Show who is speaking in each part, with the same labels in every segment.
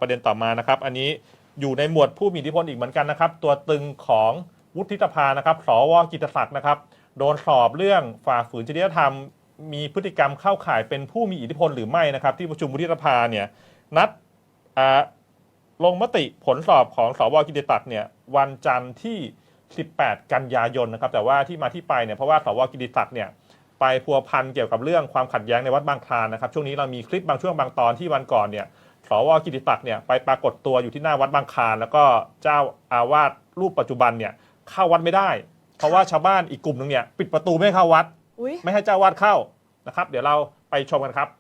Speaker 1: ประเด็นต่อมานะครับอันนี้อยู่ในหมวดผู้มีอิทธิพลอีกเหมือนกันนะครับตัวตึงของวุฒิสภานะครับสว.กิตติศักดิ์นะครับโดนสอบเรื่องฝ่าฝืนจริยธรรมมีพฤติกรรมเข้าข่ายเป็นผู้มีอิทธิพลหรือไม่นะครับที่ประชุมวุฒิสภาเนี่ยนัดลงมติผลสอบของสว.กิตติศักดิ์เนี่ยวันจันทร์ที่18 กันยายนนะครับแต่ว่าที่มาที่ไปเนี่ยเพราะว่าสว.กิตติศักดิ์เนี่ยไปพัวพันเกี่ยวกับเรื่องความขัดแย้งในวัดบางคลานนะครับช่วงนี้เรามีคลิปบางช่วงบางตอนที่วันก่อนเนี่ยสว.กิตติศักดิ์เนี่ยไปปรากฏตัวอยู่ที่หน้าวัดบางคลานแล้วก็เจ้าอาวาสรูปปัจจุบันเนี่ยเข้าวัดไม่ได้เพราะว่าชาวบ้านอีกกลุ่มหนึ่งเนี่ยปิดประตูไม่ให้เข้าวัดไม่ให้เจ้าวาดเข้านะครับเดี๋ยวเราไปชมกันครับ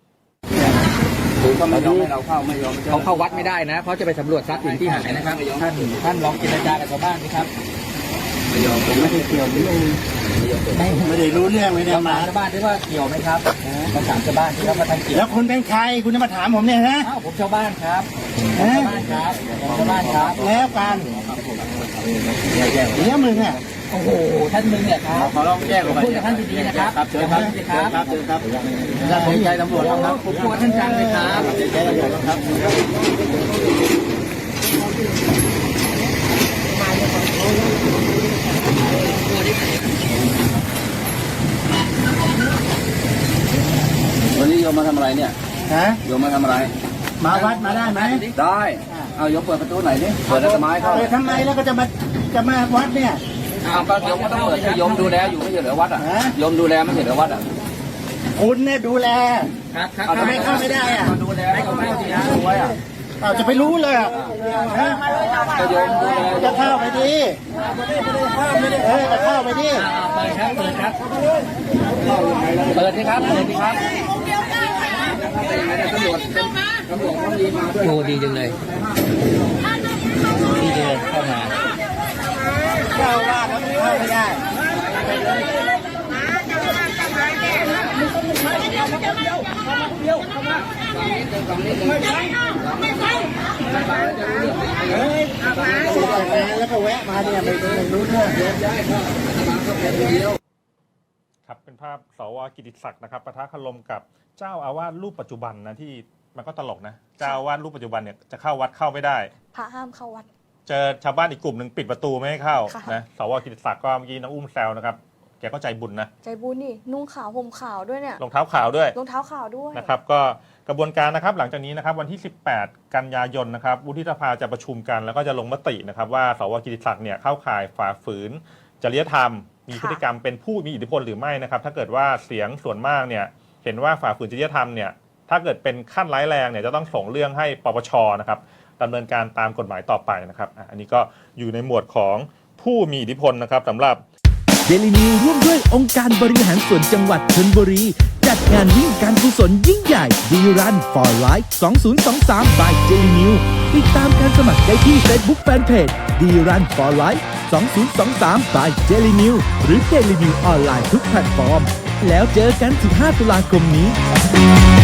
Speaker 2: เขาไม่ยอมให้เราเข้าไม่ยอม
Speaker 3: เขาเข้าวัดไม่ได้นะเพราะจะไปสำรวจทรัพย์สินที่หายนะครับท่านลองเจรจากับชาวบ้านสิครับ
Speaker 2: ไม่ยอมผมไม่ได้เกี่ยวไม่ได้รู้เรื่องไม่ได้มา
Speaker 3: ชาวบ้านที่ว่าเกี่ยวไหมครับมาถามชาวบ้านที่เขามาทำเกี่ยว
Speaker 2: แล้วคุณเป็นใครคุณจะมาถามผมเนี่ยนะ
Speaker 3: ผมชาวบ้านครับชาวบ้านครับชาวบ้านครับ
Speaker 2: แล้วกันเดี๋ยวมึงเนี่ย
Speaker 3: โอ้โหท่านมึงเนี่ยครับ
Speaker 2: ขอร้องแจ้ง
Speaker 3: พูดกับท่านดีๆนะครับ
Speaker 2: เชิญครับเชิญครับท่านเป็นใจตำรวจครับ
Speaker 3: ผมกลัวท่านจังเลยครับ
Speaker 2: ใจตำรวจครับวันนี้โยมมาทำอะไรเนี่ยโยมมาทำอะไรมาวัดมาได้ไหมได้เอาโยมเปิดประตูไหนนี่เปิดทำไมเข้าทำไมแล้วก็จะมาวัดเนี่ย
Speaker 3: ก็โยมก็ต้องเปิดให้โยมดูแลอยู่ไม่ใช่เหรอวัดอ่ะโยมดูแลไม่ใช่เหรอวัดอ่ะ
Speaker 2: คุณเนี่ยดูแล
Speaker 3: ทำไมเข้าไม่ได้อ่ะ
Speaker 2: ดูแลให้เขาเข้าสิฮะไว้อ่ะจะไปรู้เลย
Speaker 3: ก็โยมดูแล
Speaker 2: จะเข้าไปดิจะเข้าไปดิ
Speaker 3: เปิดครับเปิดสิครับโอ้ดีจังเลยดีเลยเข้ามา
Speaker 2: เจ้าว่าเข้าไม่ได้แล้วก็แวะมาเนี่ยไม่รู้เรื่อง
Speaker 1: ครับเป็นภาพสว.กิตติศักดิ์นะครับปะทะคารมกับเจ้าอาวาสรูปปัจจุบันนะที่มันก็ตลกนะเจ้าอาวาสรูปปัจจุบันเนี่ยจะเข้าวัดเข้าไม่ได้
Speaker 4: พระห้ามเข้าวัด
Speaker 1: เจอชาวบ้านอีกกลุ่มหนึ่งปิดประตูไม่ให้เข้านะสว.กิตติศักดิ์ก็เมื่อกี้น้องอุ้มแซวนะครับแกก็ใจบุญนะ
Speaker 4: ใจบุญนี่นุ่งขาวห่มขาวด้วยเนี่ย
Speaker 1: รองเท้าขาวด้วยนะครับก็กระบวนการนะครับหลังจากนี้นะครับวันที่18 กันยายนนะครับวุฒิสภาจะประชุมกันแล้วก็จะลงมตินะครับว่าสว.กิตติศักดิ์เนี่ยเข้าข่ายฝ่าฝืนจริยธรรมมีพฤติกรรมเป็นผู้มีอิทธิพลหรือไม่นะครับถ้าเกิดว่าเสียงส่วนมากเนี่ยเห็นว่าฝ่าฝืนจริยธรรมเนี่ยถ้าเกิดเป็นขั้นร้ายแรงเนี่ยจะต้องส่งเรื่องให้ปปช.นะครับดำเนินการตามกฎหมายต่อไปนะครับอันนี้ก็อยู่ในหมวดของผู้มีอิทธิพลนะครับสำหรับ
Speaker 5: เดลินิวร่วมด้วยองค์การบริหารส่วนจังหวัดชลบุรีจัดงานวิ่งการกุศลยิ่งใหญ่ดีรัน for life 2023 by เดลินิวติดตามการสมัครได้ที่ Facebook Fanpage ดีรัน for life 2023 by เดลินิวหรือเดลินิวออนไลน์ทุกแพลตฟอร์มแล้วเจอกัน15 ตุลาคมนี้